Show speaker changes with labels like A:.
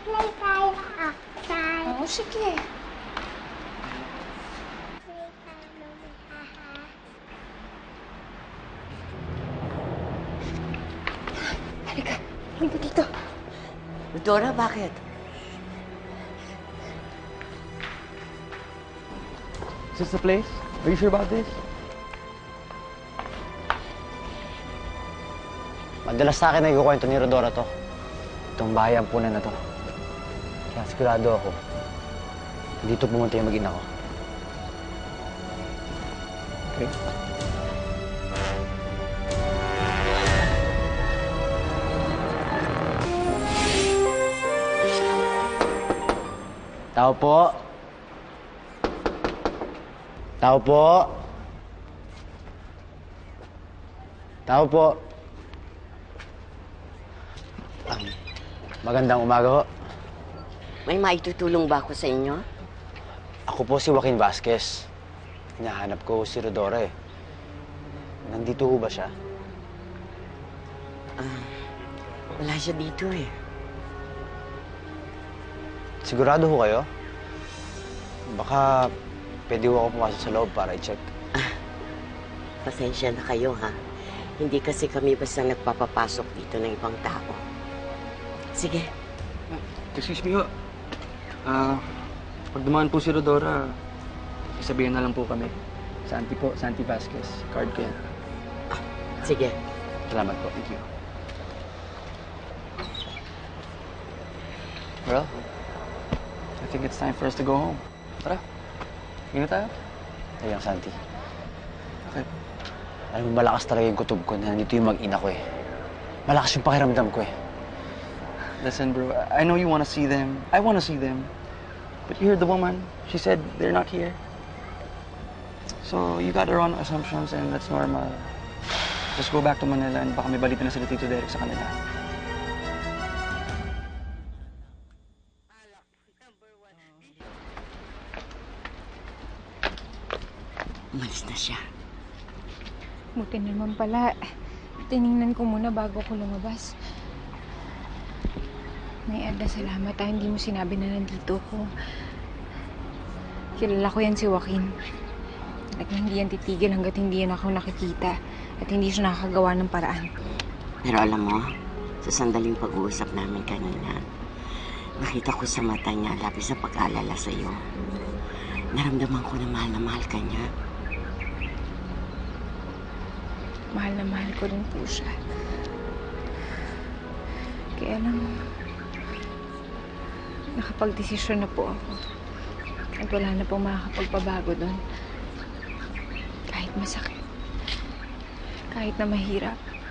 A: Play tayo outside.
B: Oo, sige.
A: Play tayo mamahaha.
B: Halika. Halika dito.
C: Dora, bakit?
D: Is this the place? Are you sure about this?
E: Madalas sa akin nagkukwento ni Rodora to. Itong bahay ampunan na to. Kaya sigurado ako, dito pumunta yung mag-ina ko.
D: Okay.
E: Tao po. Tao po. Tao po. Magandang umaga ho.
C: May maitutulong ba ako sa inyo?
E: Ako po si Joaquin Vasquez. Hinahanap ko si Rodora eh. Nandito ho ba siya?
C: Wala siya dito eh.
E: Sigurado ho kayo? Baka pwede ho ako pumasok sa loob para i-check.
C: Pasensya na kayo ha. Hindi kasi kami basta nagpapapasok dito ng ibang tao. Sige.
D: Excuse me ho. Pag dumaan po si Rodora, isabihin na lang po kami. Santi po, Santi Vasquez. Card ko yan.
C: Sige.
E: Salamat po.
D: Thank you. Well, I think it's time for us to go home. Tara. Hindi na tayo?
E: Ayun, Santi.
D: Okay.
E: Alam mo, malakas talaga yung kutob ko na nandito yung mag-ina ko eh. Malakas yung pakiramdam ko eh.
D: Listen, bro, I know you want to see them. I want to see them. But you heard the woman. She said they're not here. So you got your own assumptions and that's normal. Just go back to Manila and baka may balita na sila Tito Derek sa kanila.
C: Umalis na siya.
B: Buti naman pala. Tiningnan ko muna bago ko lumabas. May Ada, salamat ha. Hindi mo sinabi na nandito ko. Kilala ko yan si Joaquin. Talagang hindi yan titigil hanggat hindi yan ako nakikita. At hindi siya nakakagawa ng paraan.
C: Pero alam mo, sa sandaling pag-uusap namin kanina, nakita ko sa mata niya labis na pag-alala sa'yo. Naramdaman ko na mahal ka niya.
B: Mahal na mahal ko rin po siya. Kaya lang, nakapag-desisyon na po ako. At wala na pong makakapagpabago doon. Kahit masakit. Kahit na mahirap.